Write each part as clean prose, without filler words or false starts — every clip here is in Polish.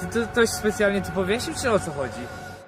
Ty ktoś specjalnie tu powiesił, czy o co chodzi?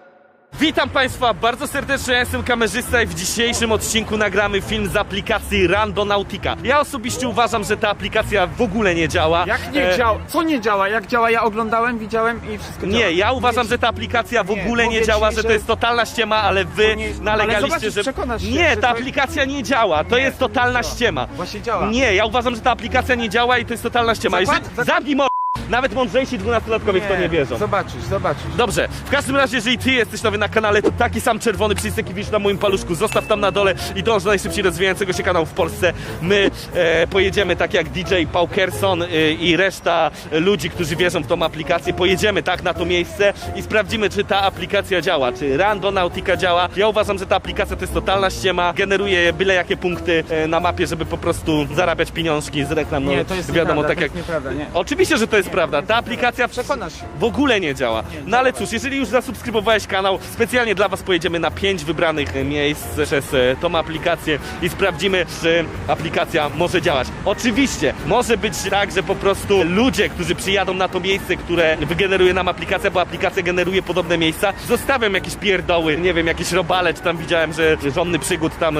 Witam Państwa bardzo serdecznie, ja jestem kamerzysta i w dzisiejszym odcinku nagramy film z aplikacji Randonautica. Ja osobiście uważam, że ta aplikacja w ogóle nie działa. Jak nie działa? Co nie działa? Jak działa? Ja oglądałem, widziałem i wszystko działa. Nie, ja uważam, że ta aplikacja w ogóle nie działa, że to jest totalna ściema, ale wy nalegaliście, że... Nie, ta aplikacja nie działa, to jest totalna ściema. Właśnie działa. Nie, ja uważam, że ta aplikacja nie działa i to jest totalna ściema. Zamknij mo... Nawet mądrzejsi 12-latkowie w to nie wierzą. Zobaczysz. Dobrze, w każdym razie, jeżeli ty jesteś nowy na kanale, to taki sam czerwony przycisk, jaki widzisz na moim paluszku, zostaw tam na dole i dąż do najszybciej rozwijającego się kanału w Polsce. My pojedziemy tak jak DJ Paukerson i reszta ludzi, którzy wierzą w tą aplikację. Pojedziemy tak na to miejsce i sprawdzimy, czy ta aplikacja działa, czy Randonautica działa. Ja uważam, że ta aplikacja to jest totalna ściema, generuje byle jakie punkty na mapie, żeby po prostu zarabiać pieniążki z reklam. No, Nie, to jest wiadomo, nieprawda, tak to jak... jest nieprawda, nie. Oczywiście, że to jest prawda. Ta aplikacja w ogóle nie działa. No ale cóż, jeżeli już zasubskrybowałeś kanał, specjalnie dla was pojedziemy na 5 wybranych miejsc przez tą aplikację i sprawdzimy, czy aplikacja może działać. Oczywiście, może być tak, że po prostu ludzie, którzy przyjadą na to miejsce, które wygeneruje nam aplikacja, bo aplikacja generuje podobne miejsca, zostawiam jakieś pierdoły, nie wiem, jakieś robale, czy tam widziałem, że Żonny Przygód tam,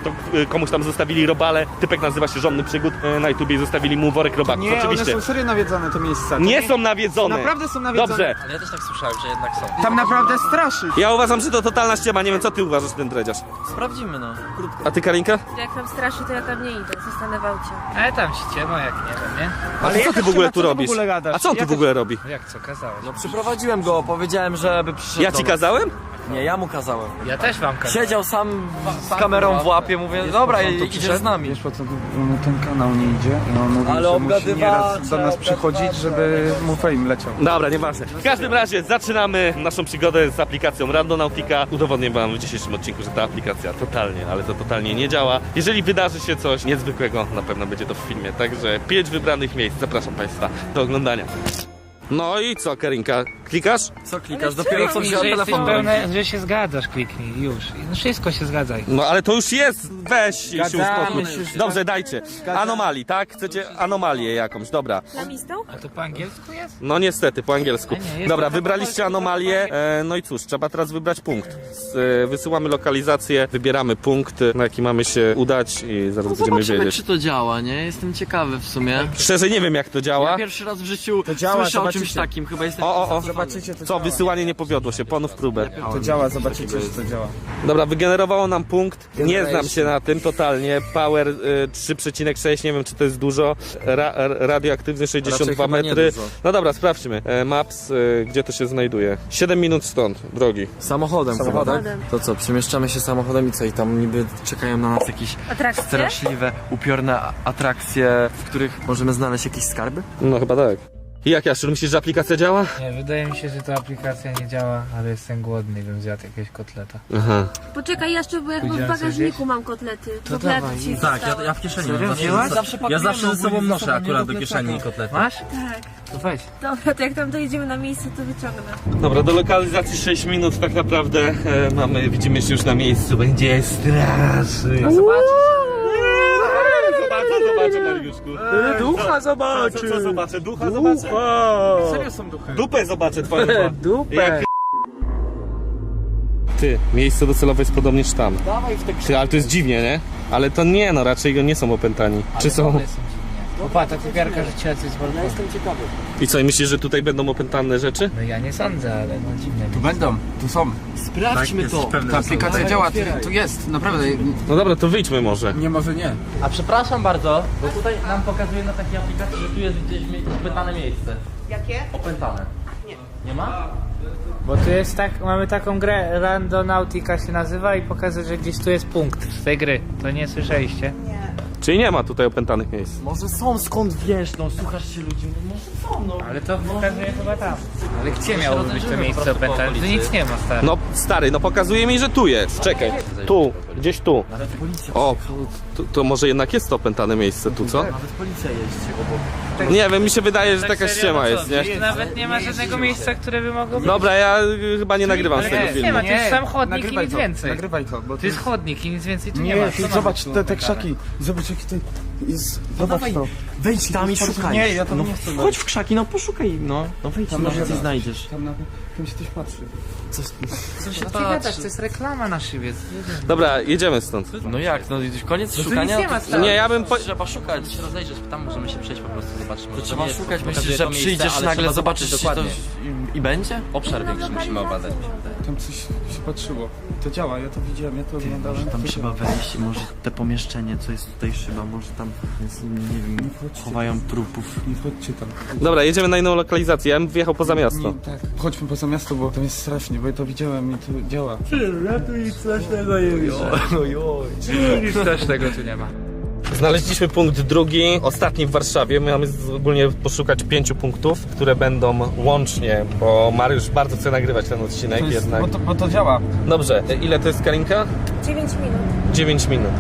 komuś tam zostawili robale, typek nazywa się Żonny Przygód, na YouTubie i zostawili mu worek robaków. Nie, oczywiście. one są serio nawiedzone te miejsca. Nie są nawiedzone. Naprawdę są nawiedzone. Dobrze. Ale ja też tak słyszałem, że jednak są. Tam naprawdę straszy. Ja uważam, że to totalna ściema. Nie wiem, co ty uważasz, ten dredziarz. Sprawdzimy, no. Krótko. A ty, Karinka? Jak tam straszy, to ja tam nie idę, zostanę w aucie. Ale tam ściema, jak nie wiem, nie? Ale co ty w ogóle tu robisz? A co on tu w ogóle robi? Jak co, kazałeś? No przyprowadziłem go, powiedziałem, żeby przyszedł Ja do ci nas. kazałem? Nie, ja mu kazałem. Ja też wam kazałem. Siedział sam z kamerą w łapie, mówię, dobra, idziesz z nami. Wiesz po co mu ten kanał nie idzie? I on mówi, Ale że musi obgadywacze, nieraz do nas przychodzić, żeby mu fame leciał. Dobra, nieważne. W każdym razie zaczynamy naszą przygodę z aplikacją Randonautica. Udowodnię wam w dzisiejszym odcinku, że ta aplikacja totalnie, ale to totalnie nie działa. Jeżeli wydarzy się coś niezwykłego, na pewno będzie to w filmie. Także 5 wybranych miejsc. Zapraszam Państwa do oglądania. No i co, Karinka? Klikasz? Co klikasz? Dopiero co wziąłem telefon. że się zgadzasz, kliknij już. No wszystko się zgadzaj. No ale to już jest. Weź się uspokój. się. Dobrze, dajcie. Anomalii, tak? Chcecie anomalię jakąś, dobra. Lamistą? A to po angielsku jest? No niestety, po angielsku. A nie, jest Dobra, to wybraliście anomalię. No i cóż, trzeba teraz wybrać punkt. Wysyłamy lokalizację, wybieramy punkt, na jaki mamy się udać i zaraz będziemy Zobaczymy, wiedzieć. czy to działa, nie? Jestem ciekawy w sumie. Szczerze nie wiem, jak to działa. Ja pierwszy raz w życiu działa, słyszę o zobaczycie. czymś takim, chyba jestem... Zobaczycie, to Co, wysyłanie nie powiodło się, ponów próbę. To działa, zobaczycie, że to działa. Dobra, wygenerowało nam punkt. Nie znam się na tym totalnie. Power 3,6, nie wiem, czy to jest dużo. Radioaktywny 62 chyba nie metry. dużo. No dobra, sprawdźmy. Maps, gdzie to się znajduje? 7 minut stąd, drogi. Samochodem chyba, tak? Samochodem. To co, przemieszczamy się samochodem i co? I tam niby czekają na nas jakieś Atrakcje? straszliwe, upiorne atrakcje, w których możemy znaleźć jakieś skarby? No chyba tak. I jak, Jaszczur, myślisz, że aplikacja działa? Nie, wydaje mi się, że ta aplikacja nie działa, ale jestem głodny i bym zjadł jakiegoś kotleta. Aha. Poczekaj jeszcze, bo ja chyba w Pójdziemy bagażniku mam kotlety. To Kotlety dawaj. ci Tak, zostały. ja w kieszeni Serio? mam. Wzięłaś? Ja zawsze ze sobą noszę akurat do kieszeni kotlety. Masz? Tak. To weź. Dobra, to jak tam dojedziemy na miejsce, to wyciągnę. Dobra, do lokalizacji 6 minut tak naprawdę widzimy się już na miejscu. Będzie strasznie. Zobaczę, Mariuszku. Ducha zobaczy! Co zobaczę? Ducha zobaczę? Serio są duchy. Dupę zobaczę twoją. Dupę! Jak... Ty, miejsce docelowe jest podobnież tam. Ty, ale to jest dziwnie, nie? Ale to nie, no raczej go nie są opętani. Czy są? Opa, ta kupiarka rzuciła coś z balkonu. I co, i myślisz, że tutaj będą opętane rzeczy? No ja nie sądzę, ale no dziwne. Tu będą, tu są. Sprawdźmy to! Ta aplikacja działa, tu jest, naprawdę. No dobra, to wyjdźmy może. Nie, może nie. A przepraszam bardzo, bo tutaj nam pokazuje na takiej aplikacji, że tu jest gdzieś opętane miejsce. Jakie? Opętane. Nie ma? Bo tu jest tak, mamy taką grę, Randonautica się nazywa i pokazuje, że gdzieś tu jest punkt z tej gry. To nie słyszeliście? Czyli nie ma tutaj opętanych miejsc. Może są, skąd wiesz, no słuchasz się ludzi, może są, no. Ale to pokazuje chyba tam. Ale gdzie miało być to miejsce opętane? Tu nic nie ma, stary. No stary, no pokazuje mi, że tu jest. Czekaj. Tu, gdzieś tu. Nawet policja O, to może jednak jest to opętane miejsce tu, co? Nawet policja jeździ obok. Nie wiem, mi się wydaje, że taka serio, ściema no co? jest, nie? Tu nawet nie ma żadnego miejsca, które by mogło być. Dobra, ja chyba nie nagrywam z Ale tego nie filmu. ma, to jest sam chodnik i nagrywaj nic to, więcej. nagrywaj to, bo To jest chodnik i nic więcej tu nie ma. nie, Co ma zobacz być te tu krzaki, zobacz jaki to jest, zobacz to. Wejdź tam i szukaj. Nie, ja tam no, nie chcę. chodź w krzaki, no poszukaj, no. No wejdź, Tam może może coś da. znajdziesz. Tam się ktoś patrzy. Co się No ty gadasz, to jest reklama na szybie. Dobra, jedziemy stąd. No jak, no koniec Tu szukania? nic nie ma stary. Nie, ja bym... Trzeba szukać. Się rozejrzysz, tam możemy się przejść po prostu, zobaczyć. Może To trzeba nie jest- szukać, pokazuje myślisz, to że miejsce, przyjdziesz ale nagle, trzeba zobaczysz zobaczyć coś i będzie? Obszar większy musimy obadać. Tam coś się patrzyło. To działa, ja to widziałem, ja to oglądałem. Tam to trzeba działa. wejść, może te pomieszczenie, co jest tutaj szyba, może tam jest, nie wiem, chowają trupów. Nie chodźcie tam. Dobra, jedziemy na inną lokalizację, ja bym wyjechał poza miasto. Nie, tak. Chodźmy poza miasto, bo tam jest strasznie, bo ja to widziałem i to działa. Nic też tego tu nie ma. Znaleźliśmy punkt drugi, ostatni w Warszawie. My mamy ogólnie poszukać 5 punktów, które będą łącznie, bo Mariusz bardzo chce nagrywać ten odcinek To jest, jednak. bo to działa. Dobrze, ile to jest Karinka? 9 minut. 9 minut.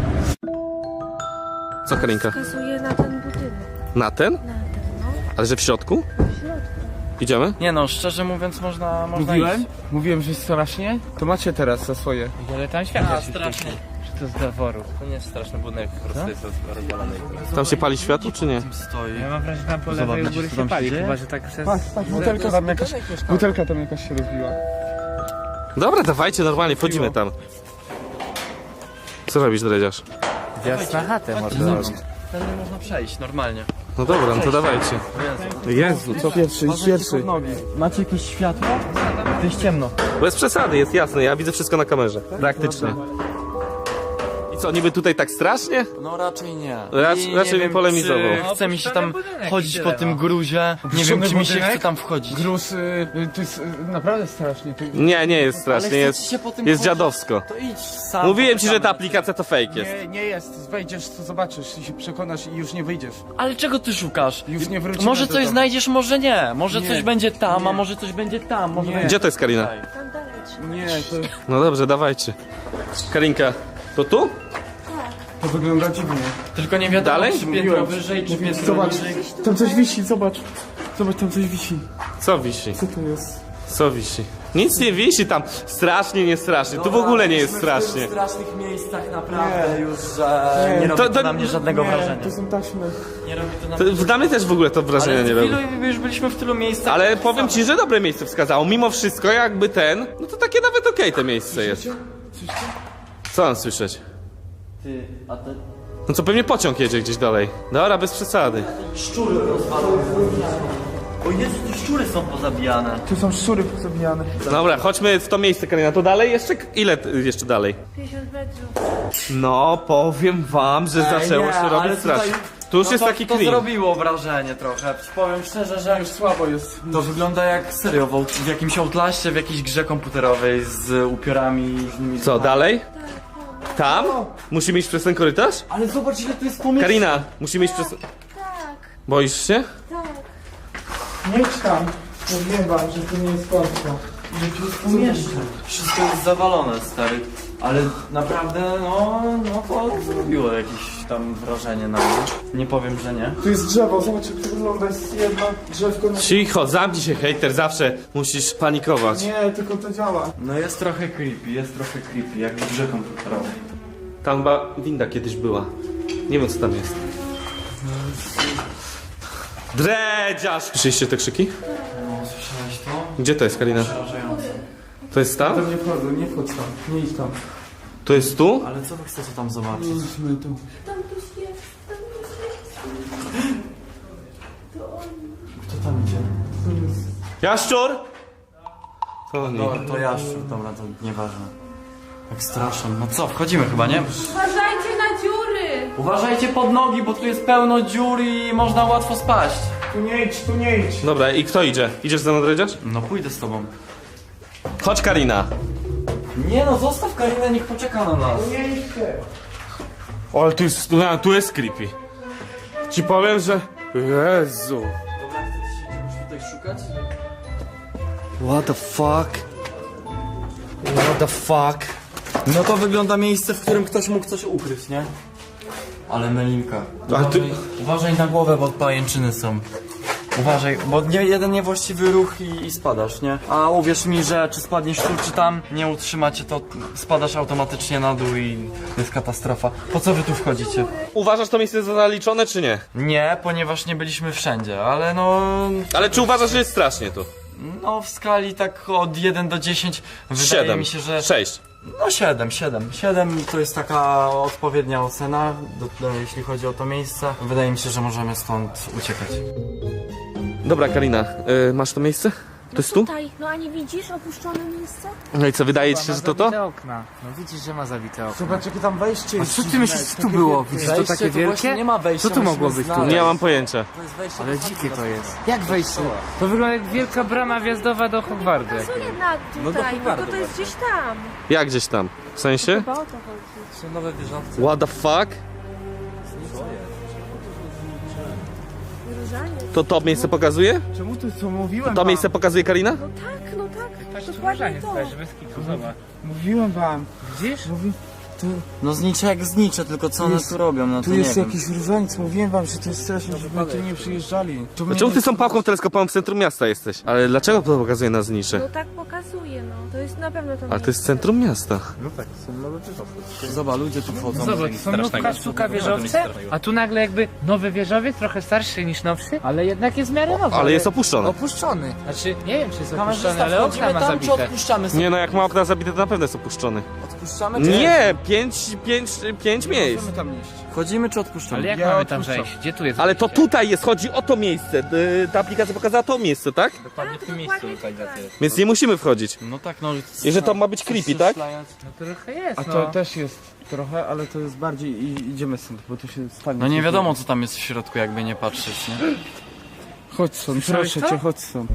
Co Karinka? Wskazuje na ten budynek. Na ten? Na ten, no. Ale że w środku? W środku. Idziemy? Nie no, szczerze mówiąc można Mówiłem? iść. Mówiłem, że jest strasznie? To macie teraz za swoje. Ale tam światło A, się strasznie. świeci. Czy to z zaworu? To nie jest straszny budynek, po prostu jest rozwalony. Tam się pali światło, czy nie? Stoi. Ja mam wrażenie, że tam po Zobacz, lewej u góry co się tam pali, się dzieje? chyba że tak przez... Patrz, butelka tam jakaś się rozbiła. Dobra, dawajcie, normalnie, wchodzimy tam. Co robisz, dredziarz? Wjazd na chatę może Tędy robić. można przejść, normalnie. No dobra, no to dawajcie. Jezu, co? Pierwszy. Macie jakieś światło? To jest ciemno. Bez przesady, jest jasne, ja widzę wszystko na kamerze. Praktycznie. I co, niby tutaj tak strasznie? No raczej nie. Raczej nie wiem, polemizował. czy chce mi się tam budynek chodzić i po tyle, tym no. gruzie. Nie wiem, Opuszczony czy mi się budynek? chce tam wchodzić. Gruz, to jest naprawdę strasznie. To... Nie jest strasznie, Ale chcecie jest, się po tym jest chodzić? dziadowsko. To idź sam. Mówiłem ci, że ta aplikacja to fake jest. Nie jest. Wejdziesz, to zobaczysz i się przekonasz i już nie wyjdziesz. Ale czego ty szukasz? Już nie wrócimy Może do coś domu. znajdziesz, może nie. Może Nie. coś będzie tam, a Nie. może coś będzie tam. Może Nie. będzie... Gdzie to jest Karina? Tam dalej trzeba. Nie, to, No dobrze, dawajcie. Karinka, to tu? to wygląda dziwnie. Tylko nie wiadomo, Dalej? czy piętro wyżej, czy piętro Zobacz, niżej. tam coś wisi, zobacz. Zobacz, tam coś wisi. Co wisi? Co to jest? Co wisi? Nic nie wisi tam. Strasznie, nie strasznie. Tu w ogóle nie jest strasznie. W strasznych miejscach naprawdę już, że nie robi To- to na mnie żadnego wrażenia. To są taśmy. Nie robi to na To, mnie dla mnie też w ogóle to wrażenia nie robi. już byliśmy w tylu miejscach. Ale powiem ci, że dobre miejsce wskazało. Mimo wszystko, jakby ten, no to takie nawet okej to miejsce jest. Co mam słyszeć? Ty, a te No co, pewnie pociąg jedzie gdzieś dalej. Dobra, bez przesady. szczury rozwalone. O Jezu, tu szczury są pozabijane. Tu są szczury pozabijane. Dobra, chodźmy w to miejsce, Karina. To dalej jeszcze? Ile jeszcze dalej? 50 metrów. No, powiem wam, że zaczęło nie, się ale robić tutaj- strasznie. Tu już No jest to, taki to clean. zrobiło wrażenie trochę. Powiem szczerze, że Już słabo jest. to wygląda jak serio w jakimś outlaście, w jakiejś grze komputerowej z upiorami różnymi. Co, dalej? Tam? Musimy iść przez ten korytarz? Ale zobacz, ile tu jest pomieszczeń. Karina, musimy iść przez... Tak, Boisz się? tak. Nie idź tam. Mówiłem wam, że to nie jest końca. Że tu jest Pomieszczeń. Wszystko jest zawalone, stary. Ale naprawdę, no to zrobiło jakieś tam wrażenie na mnie. Nie powiem, że nie. Tu jest drzewo, zobacz jak to wygląda, jest jedno drzewko na... Cicho, zamknij się, hejter, zawsze musisz panikować. Nie, tylko to działa. No jest trochę creepy, jak w grze komputerowej. Tam chyba winda kiedyś była. Nie wiem, co tam jest. Dredziarz! Słyszeliście te krzyki? No, słyszałeś to? Gdzie to jest, Karina? Przerażające. To jest tam? Tam nie wchodzę, nie wchodź tam. Nie idź tam. To jest tu? Ale co wy chcecie tam zobaczyć? Idźmy tu. Tam ktoś jest, tam ktoś jest. Kto tam idzie? Jaszczur? To nie. Dobra, to jaszczur, dobra, to nieważne. Jak strasznie. No co, wchodzimy chyba, nie? Uważajcie na dziury! Uważajcie pod nogi, bo tu jest pełno dziur i można łatwo spaść. Tu nie idź, tu nie idź. Dobra, i kto idzie? Idziesz ze mną, Dredziarz? No pójdę z tobą. Chodź, Karina. Nie no, zostaw Karinę, niech poczeka na nas. Nie idź ty. O, ale tu jest creepy. Ci powiem, że... Jezu. Dobra, chcecie się już tutaj szukać? What the fuck? What the fuck? No to wygląda miejsce, w którym ktoś mógł coś ukryć, nie? Ale Melinka. A ty- Uważaj na głowę, bo pajęczyny są. Uważaj, bo jeden niewłaściwy ruch i spadasz, nie? A uwierz mi, że czy spadniesz tu, czy tam, nie utrzymacie, to spadasz automatycznie na dół i jest katastrofa. Po co wy tu wchodzicie? Uważasz to miejsce za zaliczone, czy nie? Nie, ponieważ nie byliśmy wszędzie, ale no... Ale czy uważasz, że jest strasznie tu? No w skali tak od 1 do 10 wydaje 7, mi się, że... 6. No 7 to jest taka odpowiednia ocena, jeśli chodzi o to miejsce. Wydaje mi się, że możemy stąd uciekać. Dobra, Karina, masz to miejsce? To jest tu? Tutaj, no a nie widzisz opuszczone miejsce? No i co, wydaje ci się, Ma że to to? zabite okna. No widzisz, że ma zabite okna. Zobacz, jakie tam wejście A jest. co ty myślisz, co tu było? Widzisz to Wejście takie to właśnie wielkie? nie ma wejścia, Co tu mogło musimy być tu? znaleźć. Nie mam pojęcia. To jest wejście Ale do dzikie to samego jest. Jak wejście? To wygląda jak wielka brama wjazdowa do Hogwartu. Co jednak tutaj, no to jest gdzieś tam. Jak gdzieś tam? W sensie? Chyba o to chodzi. Są nowe wieżowce. What the fuck? Różanie. To miejsce pokazuje? Czemu ty co mówiłem To wam? miejsce pokazuje Karina? No tak, Patrz, dokładnie to. bez kitu, zobacz. Mówiłem wam. Widzisz? No znicze jak znicze, tylko co one jest- tu robią, no to Tu nie jest wiem. jakiś różaniec, mówiłem wam, że to jest straszne, żeby tu nie przyjeżdżali. To mnie Czemu nie- ty z tą pałką teleskopową w centrum miasta jesteś? Ale dlaczego to pokazuje na znicze? No tak pokazuje, no. To jest na pewno to Ale to jest centrum miasta. Zobacz, ludzie tu wchodzą. Zobacz, są nówka, sztuka wieżowce, a tu nagle jakby nowy wieżowiec, trochę starszy niż nowszy, ale jednak jest w miarę nowy. Ale jest opuszczony. Opuszczony. Znaczy, nie wiem czy jest Kamerzysta, opuszczony, ale okna wchodzimy ma tam, czy zabite. odpuszczamy sobie? Nie no, jak ma okna zabite, to na pewno jest opuszczony. Odpuszczamy, czy Nie, pięć miejsc. Możemy tam iść. Wchodzimy, czy odpuszczamy? Ale jak Ja mamy tam odpuszczam. wejść? Gdzie tu jest Ale to wejście? tutaj jest, chodzi o to miejsce. Ta aplikacja pokazała to miejsce, tak? Dokładnie w tym miejscu lokalizacja jest. Więc nie musimy wchodzić. No tak, no... I że to ma być creepy, tak? No trochę jest, A no. to też jest trochę, ale to jest bardziej i idziemy stąd, bo tu się stanie. No nie wiadomo, co tam jest w środku, jakby nie patrzeć, nie? Chodź stąd, Słyszałeś proszę to? cię, chodź stąd.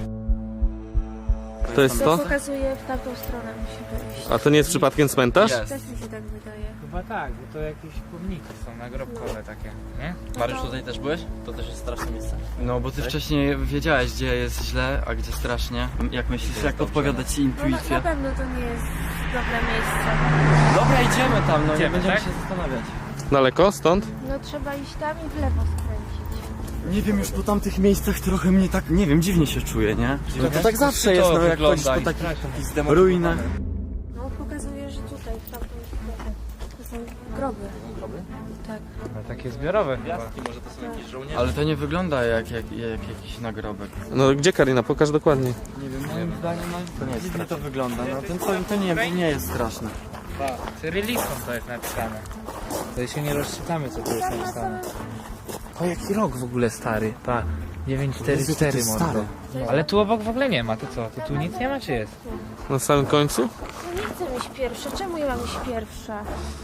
To jest To to? pokazuje w tamtą stronę musi wejść. A to nie jest przypadkiem cmentarz? Jest. Też mi się tak wydaje. Chyba tak, bo to jakieś pomniki są nagrobkowe takie, nie? Mariusz, tutaj też byłeś? To też jest straszne miejsce. No bo ty wcześniej wiedziałeś, gdzie jest źle, a gdzie strasznie. Jak myślisz, jak podpowiada ci No na intuicja? pewno to nie jest dobre miejsce. Dobra, idziemy tam, no nie Idziemy, będziemy tak? się zastanawiać. Daleko stąd? No trzeba iść tam i w lewo skręcić. Nie wiem, już po tamtych miejscach trochę mnie tak, nie wiem, dziwnie się czuję, nie? No to tak zawsze jest, no jak chodzisz po takich ruinach. No pokazuje, że tutaj, w tamtą stronę. To są groby. Tak. No takie zbiorowe chyba. Może to są jakieś żołnierze? Ale to nie wygląda jak jakiś nagrobek. No gdzie Karina? Pokaż dokładnie. Nie wiem, moim zdaniem to nie dziwnie to wygląda, no to nie jest straszne. Cyrylicą to jest napisane. To się nie rozczytamy, co tu jest napisane. O, jaki rok w ogóle stary, pa. 944 mordo. Ale tu obok w ogóle nie ma, to co? To tu nic nie ma, czy jest? Na samym końcu? No nie chcę mieć pierwsze. Czemu ja mam iść pierwsza?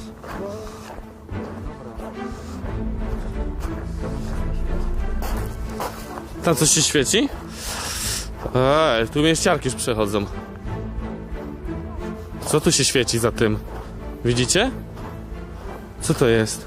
Tam coś się świeci? Tu mieściarki już przechodzą. Co tu się świeci za tym? Widzicie? Co to jest?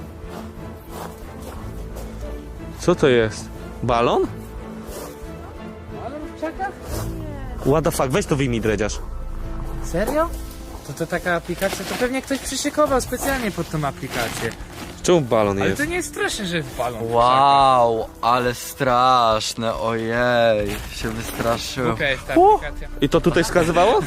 Co to jest? Balon? Ale w krzakach? What the fuck? Weź to wyjmij, dredziarz. Serio? To taka aplikacja, to pewnie ktoś przyszykował specjalnie pod tą aplikację. Czemu balon Ale jest? to nie jest straszne, że jest balon. Wow, ale straszne, ojej, się wystraszyłem. Okej, jest ta aplikacja. I to tutaj wskazywało?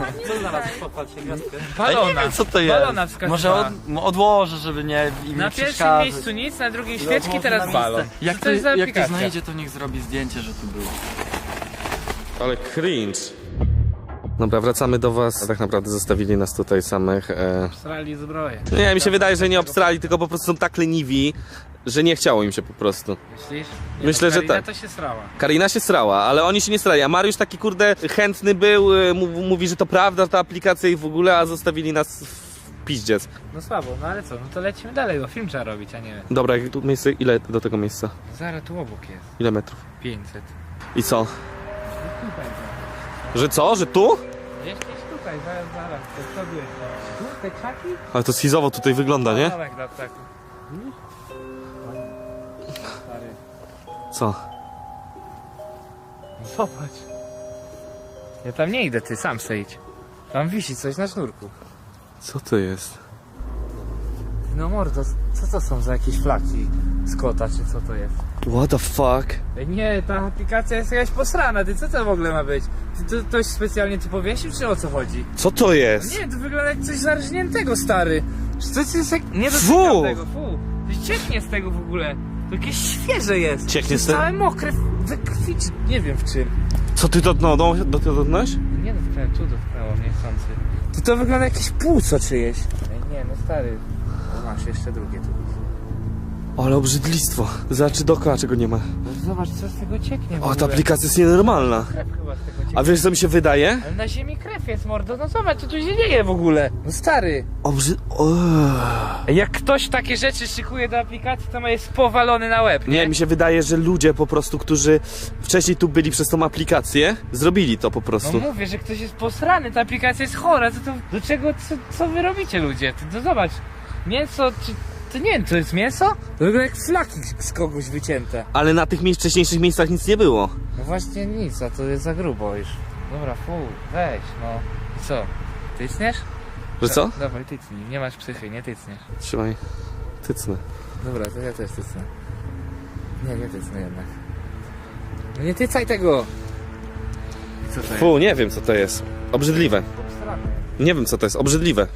Balona. Co to jest? Balona wskazywała. Może odłożę, żeby nie im Na nie pierwszym przeszkadzać. miejscu nic, na drugim świeczki, teraz balon. Jak Co to to jest za jak to aplikacja? znajdzie, to niech zrobi zdjęcie, że tu było. Ale cringe. Dobra, wracamy do was. Tak naprawdę zostawili nas tutaj samych. Srali zbroję. Nie, mi się wydaje, że nie obstrali, tylko po prostu są tak leniwi, że nie chciało im się po prostu. Myślisz? Myślę, że Karina tak. to się srała. Karina się srała, ale oni się nie srali, a Mariusz taki kurde chętny był, mówi, że to prawda, ta aplikacja i w ogóle, a zostawili nas w piździec. No słabo, no ale co, no to lecimy dalej, bo film trzeba robić, a nie... Dobra, jak tu miejsce, ile do tego miejsca? Zaraz tu obok jest. Ile metrów? 500. I co? Że co? Że tu? Gdzieś tutaj, zaraz, to przodu jest. Tu, te krzaki? Ale to schizowo tutaj wygląda, nie? Domek dla ptaków. Stary, Co? no zobacz. Ja tam nie idę, ty sam se idź. Tam wisi coś na sznurku. Co to jest? No mordo, co to są za jakieś flaki z kota, czy co to jest? What the fuck? Ej, nie, ta aplikacja jest jakaś posrana, ty co to w ogóle ma być? Ty to ktoś specjalnie tu powiesił, czy o co chodzi? Co to jest? Nie, to wygląda jak coś zarżniętego, stary. To jest jak... Nie Fu! dotykam tego, fu. To cieknie z tego w ogóle. To jakieś świeże jest. Cieknie z To jest tego? całe mokre, we krwi, czy nie wiem w czym. Co ty dotknąłeś? Nie dotknąłem, tu dotknęło mnie chcący. To wygląda jakieś płuco czyjeś. Ej, nie, no stary. O, masz jeszcze drugie tu. Ale obrzydlistwo. Zobaczy dookoła, czego nie ma. No zobacz, co z tego cieknie w O, ogóle. ta aplikacja jest nienormalna. Krew chyba z tego cieknie. A wiesz, co mi się wydaje? Ale na ziemi krew jest, mordo. No zobacz, co tu się dzieje w ogóle. No stary. Jak ktoś takie rzeczy szykuje do aplikacji, to ma jest powalony na łeb. Nie, mi się wydaje, że ludzie po prostu, którzy wcześniej tu byli przez tą aplikację, zrobili to po No prostu. mówię, że ktoś jest posrany, ta aplikacja jest chora. Do czego, co wy robicie, ludzie? To zobacz. Mięso, czy... To nie wiem, to jest mięso? To wygląda jak flaki z kogoś wycięte. Ale na tych wcześniejszych miejscach nic nie było. No właśnie nic, a to jest za grubo już. Dobra, weź, no. I co? Tycniesz? Że co? Dawaj, tycnij. Nie masz psychy, nie tycniesz. Trzymaj. Tycnę. Dobra, to ja też tycnę. Nie tycnę jednak. No nie tycaj tego! I co to jest? Fu, nie wiem co to jest. Obrzydliwe. Obstrany. Nie wiem co to jest. Obrzydliwe.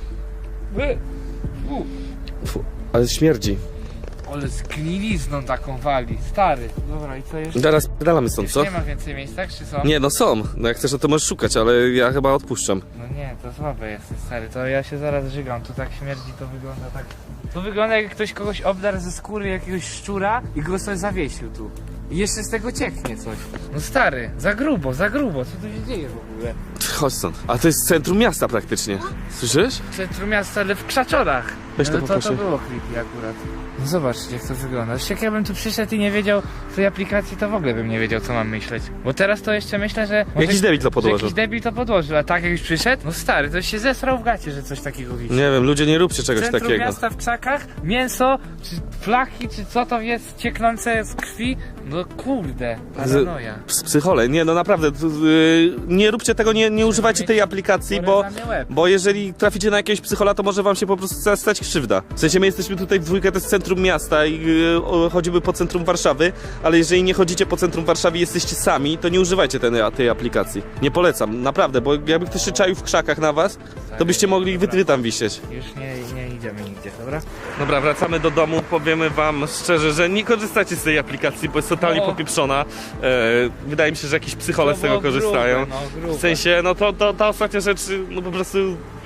Fu. Fu, ale śmierdzi. Ale z gnilizną taką wali, stary. Dobra, i co jeszcze? Zaraz dalamy stąd, Już co? nie ma więcej miejsc, tak czy co? Nie, no są. No jak chcesz, to możesz szukać, ale ja chyba odpuszczam. No nie, to słabe jest, stary. To ja się zaraz żygam. Tu tak śmierdzi, to wygląda tak... To wygląda jak ktoś kogoś obdarł ze skóry jakiegoś szczura i go sobie zawiesił tu. I jeszcze z tego cieknie coś. No stary, za grubo, co tu się dzieje w ogóle? Chodź stąd. A to jest centrum miasta praktycznie. Słyszysz? W centrum miasta, ale w krzaczorach. Weź to No poproszę. to było creepy akurat. No zobacz, jak to wygląda. Jak ja bym tu przyszedł i nie wiedział tej aplikacji, to w ogóle bym nie wiedział, co mam myśleć. Bo teraz to jeszcze myślę, że... może- Jakiś debil to że podłożył. Jakiś debil to podłożył, a tak jak już przyszedł? No stary, to się zesrał w gacie, że coś takiego wisi. Nie wiem, ludzie nie róbcie czegoś Centrum takiego. miasta w krzakach, mięso, czy flaki, czy co to jest cieknące z krwi? No kurde, paranoja. Psychole, nie no naprawdę, nie róbcie tego, nie używajcie tej aplikacji, bo, Porezany łeb. bo jeżeli traficie na jakiegoś psychola, to może wam się po prostu stać krzywda. W sensie my jesteśmy tutaj w dwójkę, to jest centrum miasta i chodzimy po centrum Warszawy, ale jeżeli nie chodzicie po centrum Warszawy i jesteście sami, to nie używajcie tej aplikacji. Nie polecam, naprawdę, bo jakby ktoś się czaił w krzakach na was, to byście mogli wy tam wisieć. Już nie idziemy nigdzie, dobra? Dobra, wracamy do domu, powiemy wam szczerze, że nie korzystacie z tej aplikacji, bo jest totalnie No. popieprzona. Wydaje mi się, że jakieś psychole To z tego było korzystają. grube, no, grube. W sensie, no to ta ostatnia rzecz, no po prostu...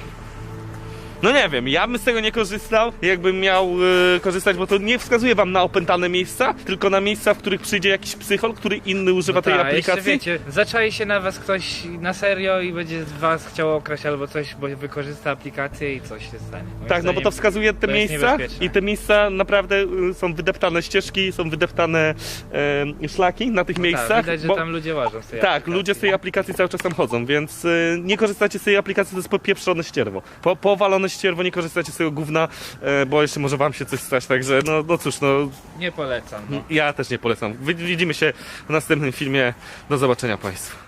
No nie wiem, ja bym z tego nie korzystał, jakbym miał korzystać, bo to nie wskazuje wam na opętane miejsca, tylko na miejsca, w których przyjdzie jakiś psychol, który inny używa tej Jeszcze aplikacji. wiecie, zaczai się na was ktoś na serio i będzie was chciał okraść albo coś, bo wykorzysta aplikację i coś się stanie. Moim Tak, no bo to zdaniem wskazuje te to jest miejsca niebezpieczne. i te miejsca naprawdę są wydeptane ścieżki, są wydeptane szlaki na tych miejscach. Tak, widać, że bo- tam ludzie łażą z tej Tak, aplikacji. ludzie z tej aplikacji cały czas tam chodzą, więc nie korzystacie z tej aplikacji, to jest popieprzone ścierwo. Powalone ścierwo, nie korzystacie z tego gówna, bo jeszcze może wam się coś stać, także no cóż, no Nie polecam, no. ja też nie polecam. Widzimy się w następnym filmie, do zobaczenia państwu.